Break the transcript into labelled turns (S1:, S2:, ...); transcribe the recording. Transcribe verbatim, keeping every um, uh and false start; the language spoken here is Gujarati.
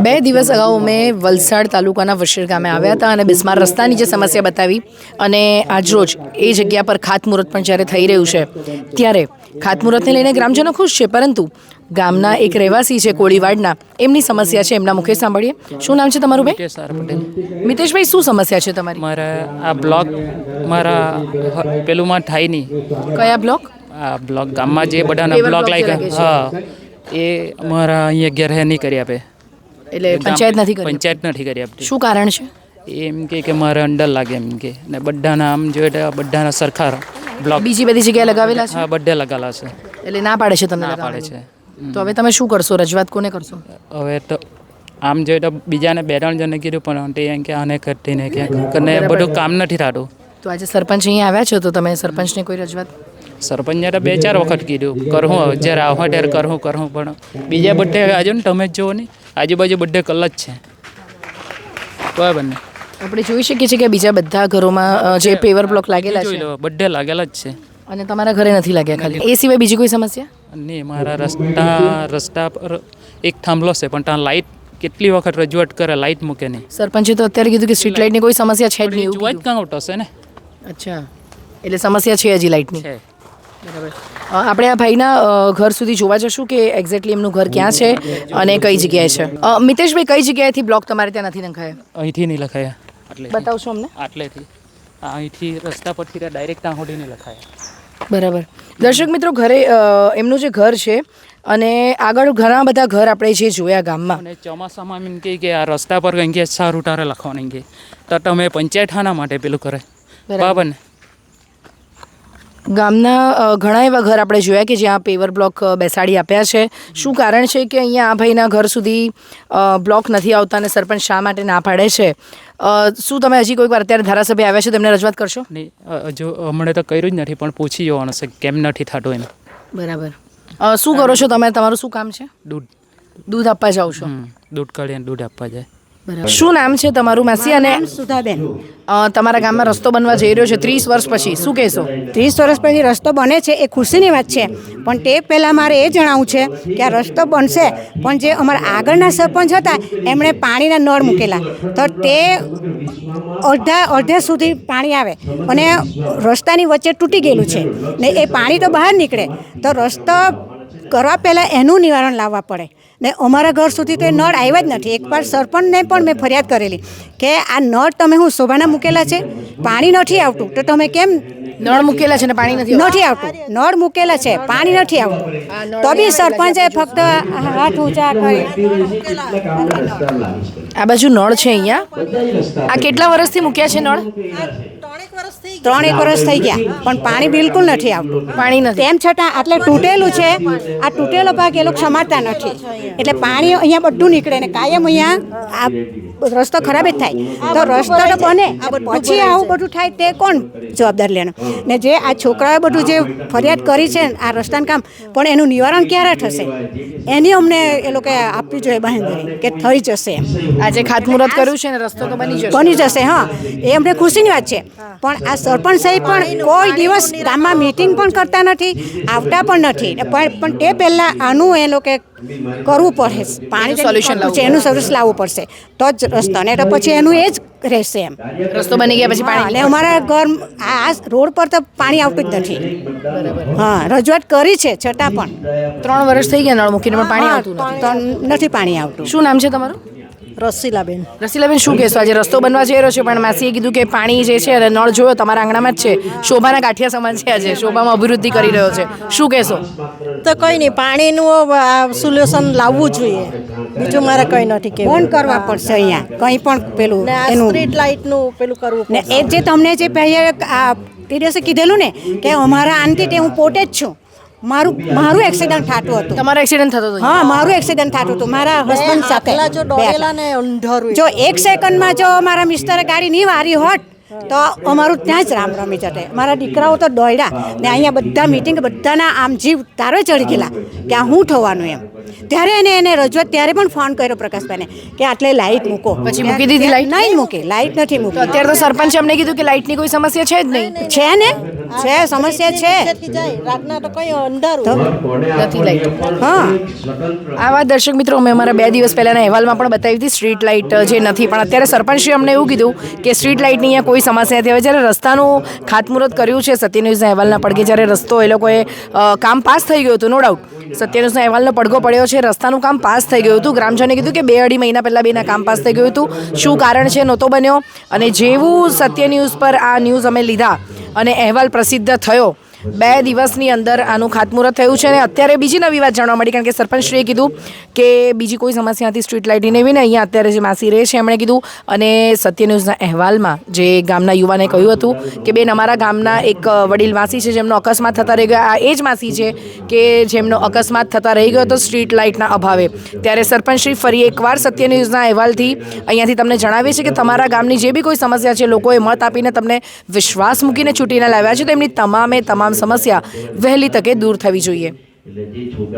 S1: બે દિવસ અગાઉ મેં વલસાડ તાલુકાના વશીર ગામે આવ્યા હતા અને બિસ્માર રસ્તાની જે સમસ્યા બતાવી અને આજરોજ એ જગ્યા પર ખાતમુહૂર્ત પણ જ્યારે થઈ રહ્યું છે ત્યારે ખાતમુહૂર્તને લઈને ગ્રામજનો ખુશ છે, પરંતુ ગામના એક રહેવાસી છે કોળીવાડના, એમની સમસ્યા છે, એમના મુખે સાંભળીએ. શું નામ છે તમારું ભાઈ?
S2: મિતેશ આર પટેલ.
S1: મિતેશભાઈ, શું સમસ્યા છે તમારી?
S2: મારા આ બ્લોક મારા પેલુંમાં થાય નહીં.
S1: કયા બ્લોક?
S2: આ બ્લોક ગામમાં જે બધાના
S1: પેવર
S2: બ્લોક
S1: બ્લોક જે
S2: લાગ્યા,
S1: લાગે છે.
S2: હા, એ અમારા અહીંયા ઘેર હે નહીં કરી આપે.
S1: એટલે પંચાયત નથી કરી?
S2: પંચાયત નથી કરી આપતી.
S1: શું કારણ છે?
S2: એ એમ કે કે મારે અંડર લાગે એમ કે, ને બધાના આમ જોઈએ તો બધાના સરખા બ્લોક
S1: બીજી બધી જગ્યાએ લગાવેલા છે?
S2: હા, બધે લગાવેલા છે.
S1: એટલે ના પાડે છે તમને
S2: ના પાડે
S1: લગાવવાની?
S2: છે.
S1: તો હવે તમે શું કરશો? રજૂઆત કોને કરશો?
S2: હવે તો આમ જોઈએ તો બીજાને બે ત્રણ જણને કીધું, પણ તે એમ કે આને કરતી ને ક્યાંક કરીને બધું કામ નથી થતું.
S1: તો આજે સરપંચ અહીંયા આવ્યા છો, તો તમે સરપંચને કોઈ રજૂઆત?
S2: સરપંચે તો બે ચાર વખત કીધું કરવું, જ્યારે આવો ત્યારે કરવું કરવું પણ બીજા બધે આજુ ને તમે જ જુઓ ને, આજુબાજુ બધે કલ જ છે. બરાબર ને?
S1: આપણે જોઈ શકીએ છીએ કે બીજા બધા ઘરોમાં જે પેવર બ્લોક લાગેલા
S2: જોઈ
S1: છે
S2: લો, બધે લાગેલા જ છે.
S1: અને તમારા ઘરે નથી લાગ્યા ખાલી? એ સિવાય બીજી કોઈ સમસ્યા?
S2: નહીં, મારા રસ્તા રસ્તા પર એક થાંભલો છે, પણ ત્યાં લાઇટ કેટલી વખત રજૂઆત કરે, લાઇટ મૂકે નહીં.
S1: સરપંચે તો અત્યારે કીધું કે સ્ટ્રીટ લાઇટની કોઈ સમસ્યા છે જ નહીં એવું
S2: જોવા જ
S1: કીધું.
S2: કાં આઉટ હશે ને.
S1: અચ્છા, એટલે સમસ્યા છે હજી લાઇટની.
S2: છે.
S1: બરાબર. અ, આપણે આ ભાઈના અ, ઘર સુધી જોવા જશું કે એક્ઝેક્ટલી એમનું ઘર ક્યાં છે અને કઈ જગ્યાએ છે. અ, મિતેશભાઈ, કઈ જગ્યાએથી બ્લોક તમારે ત્યાં નથી નખાયા?
S2: અહીંથી નહીં લખાયા, આટલે
S1: બતાવશો અમને?
S2: આટલેથી અહીંથી રસ્તા પરથી ડાયરેક્ટ ત્યાં સુધી નહીં લખાયા.
S1: બરાબર. દર્શક મિત્રો, ઘરે અ, એમનું જે ઘર છે અને આગળ ઘણા બધા ઘર આપણે જે જોયા ગામમાં,
S2: અને ચોમાસામાં એમ કહે કે આ રસ્તા પર કંઈ કે સારું તારે લખવાનું કે, તો તમે પંચાયત થાના માટે પેલું કરે. બરાબર ને?
S1: ગામના અ, ઘણા એવા ઘર આપણે જોયા કે જ્યાં પેવર બ્લોક અ, બેસાડી આપ્યા છે. શું કારણ છે કે અહીંયા આ ભાઈના ઘર સુધી અ, બ્લોક નથી આવતા અને સરપંચ શા માટે ના પાડે છે? અ, શું તમે હજી કોઈક વાર અત્યારે ધારાસભ્ય આવ્યા છે તેમને રજૂઆત કરશો?
S2: નહીં, હજુ હમણાં તો કર્યું જ નથી, પણ પૂછી જવાનું છે કેમ નથી થતું એમ.
S1: બરાબર. અ, શું કરો છો તમે? તમારું શું કામ છે?
S2: દૂધ
S1: દૂધ આપવા જાઓ છો?
S2: હમ, દૂધ કાઢીને દૂધ આપવા જાય.
S1: બરાબર. શું નામ છે તમારું માસી? અને
S3: સુધાબેન,
S1: અ, તમારા ગામમાં રસ્તો બનવા જઈ રહ્યો છે ત્રીસ વર્ષ પછી, શું કહેશો?
S3: ત્રીસ વર્ષ પછી રસ્તો બને છે એ ખુશીની વાત છે, પણ તે પહેલાં મારે એ જણાવવું છે કે આ રસ્તો બનશે, પણ જે અમારા આગળના સરપંચ હતા એમણે પાણીના નળ મૂકેલા, તો તે અડધા અડધે સુધી પાણી આવે અને રસ્તાની વચ્ચે તૂટી ગયેલું છે ને એ પાણી તો બહાર નીકળે, તો રસ્તો કરવા પહેલાં એનું નિવારણ લાવવા પડે ને અમારા ઘર સુધી તો એ નળ આવ્યા જ નથી. એકવાર સરપંચને પણ મેં ફરિયાદ કરેલી કે આ નળ તમે હું શોભાના મૂકેલા છે, પાણી નથી આવતું, તો તમે કેમ
S1: નળ મૂકેલા છે ને પાણી નથી આવતું?
S3: નથી આવતું, નળ મૂકેલા છે, પાણી નથી આવતું, તો બી સરપંચે ફક્ત હાથ ઊંચા કરી.
S1: આ બાજુ નળ છે અહીંયા. આ કેટલા વર્ષથી મૂક્યા છે નળ?
S3: ત્રણેક વર્ષ થઈ ગયા, પણ પાણી બિલકુલ નથી આવતું.
S1: પાણી નથી.
S3: તેમ છતાં આટલે તૂટેલું છે, આ તૂટેલો ભાગ એ લોકો સમારતા નથી, એટલે પાણી અહીંયા બધું નીકળે ને કાયમ અહીંયા આ રસ્તો ખરાબ જ થાય. તો રસ્તો તો બને, પછી આવું બધું થાય તે કોણ જવાબદાર લેવાનું? ને જે આ છોકરાએ બધું જે ફરિયાદ કરી છે આ રસ્તાનું કામ, પણ એનું નિવારણ ક્યારે થશે એની અમને એ લોકો આપવી જોઈએ બાંહેધરી કે થઈ જશે એમ.
S1: આજે ખાતમુહૂર્ત કર્યું છે ને રસ્તો તો બની જશે.
S3: બની જશે, હા, એ અમને ખુશીની વાત છે. પણ આ સરપંચ સાહેબ પણ કોઈ દિવસ ગામમાં મીટિંગ પણ કરતા નથી, આવતા પણ નથી, પણ પણ તે પહેલાં આનું એ લોકો કરવું પડે, પાણી
S1: સોલ્યુશન લાવવું
S3: છે એનું સર્વિસ લાવવું પડશે તો જ રસ્તો, ને તો પછી એનું એ જ રહેશે એમ.
S1: રસ્તો બની ગયા પછી પાણી?
S3: અને અમારા ઘર આ રોડ પર તો પાણી આવતું જ નથી. હા, રજૂઆત કરી છે છતાં પણ
S1: ત્રણ વર્ષ થઈ ગયા નળ મૂકીને પણ પાણી આવતું નથી.
S3: તો નથી પાણી આવતું.
S1: શું નામ છે તમારું?
S4: રસીલાબેન.
S1: રસીલાબેન, શું કહેશો? આજે રસ્તો બનવા જઈ રહ્યો છે, પણ માસીએ કીધું કે પાણી જે છે અને નળ જોયો તમારા આંગણામાં જ છે, શોભાના ગાંઠિયા સમાન છે, આજે શોભામાં અભિવૃદ્ધિ કરી રહ્યો છે, શું કહેશો?
S4: તો કંઈ નહીં, પાણીનું સોલ્યુશન લાવવું જોઈએ, બીજું મારે કંઈ નથી કે
S3: ફોન કરવા પડશે અહીંયા કંઈ પણ પેલું એનું
S4: સ્ટ્રીટ લાઇટનું પેલું કરવું
S3: ને એ જે તમને જે પહેલાં આ તે દિવસે કીધેલું ને કે અમારા આનથી તે હું પોતે જ છું, મારું મારું એક્સિડન્ટ થતું હતું.
S1: તમારો એક્સિડન્ટ થતો હતો?
S3: હા, મારું એક્સિડન્ટ થતું હતું મારા હસબન્ડ સાથે.
S4: જો ડોળેલા ને અંધારું
S3: જો એક સેકન્ડમાં જો મારા મિસ્ટરે ગાડી નહીં વારી હોત તો અમારું ત્યાં જ રામ રમી જતે. મારા દીકરાઓ તો દોડ્યા ને અહીંયા બધા મિટિંગ બધાના આમ જીવ તારે ચડી ગયેલા કે આ શું થવાનું એમ. ત્યારે એને એને રજૂઆત ત્યારે પણ ફોન કર્યો પ્રકાશભાઈને કે આટલે લાઇટ મૂકો.
S1: પછી મૂકી દીધી લાઇટ?
S3: નહીં મૂકી, લાઇટ નથી મૂકી.
S1: અત્યારે તો સરપંચે અમને કીધું કે લાઇટની કોઈ સમસ્યા છે જ નહીં.
S3: છે ને છે સમસ્યા છે
S4: નીચેથી જાય રાતના તો કઈ અંધારું
S1: નથી લાઈટ.
S3: હા
S1: આ વાત દર્શક મિત્રો અમે અમારા બે દિવસ પહેલાંના અહેવાલમાં પણ બતાવી હતી સ્ટ્રીટ લાઇટ જે નથી, પણ અત્યારે સરપંચશ્રી અમને એવું કીધું કે સ્ટ્રીટ લાઇટની અહીંયા કોઈ સમસ્યા નથી. હવે જ્યારે રસ્તાનું ખાતમુહૂર્ત કર્યું છે સત્ય ન્યૂઝના અહેવાલના પડઘે, જ્યારે રસ્તો એ લોકોએ અ, કામ પાસ થઈ ગયું હતું, નો ડાઉટ સત્ય ન્યૂઝના અહેવાલનો પડઘો પડ્યો છે, રસ્તાનું કામ પાસ થઈ ગયું હતું. ગ્રામજનોએ કીધું કે બે અઢી મહિના પહેલાં બેના કામ પાસ થઈ ગયું હતું. શું કારણ છે નહોતો બન્યો, અને જેવું સત્ય ન્યૂઝ પર આ ન્યૂઝ અમે લીધા અને અહેવાલ પ્રસિદ્ધ થયો, બે દિવસની અંદર આનું ખાતમુહૂર્ત થયું છે. અને અત્યારે બીજી નવી વાત જાણવા મળી, કારણ કે સરપંચશ્રીએ કીધું કે બીજી કોઈ સમસ્યા હતી સ્ટ્રીટ લાઇટની એવી ને અહીંયા અત્યારે જે માસી રહે છે એમણે કીધું, અને સત્ય ન્યૂઝના અહેવાલમાં જે ગામના યુવાને કહ્યું હતું કે બેન અમારા ગામના એક વડીલ માસી છે જેમનો અકસ્માત થતા રહી ગયો, આ એ જ માસી છે કે જેમનો અકસ્માત થતા રહી ગયો હતો સ્ટ્રીટ લાઇટના અભાવે. ત્યારે સરપંચશ્રી ફરી એકવાર સત્ય ન્યૂઝના અહેવાલથી અહીંયાથી તમને જણાવે છે કે તમારા ગામની જે બી કોઈ સમસ્યા છે લોકોએ મત આપીને તમને વિશ્વાસ મૂકીને ચૂંટીને લાવ્યા છે, તો એમની તમામે તમામ સમસ્યા વહેલી તકે દૂર થવી જોઈએ.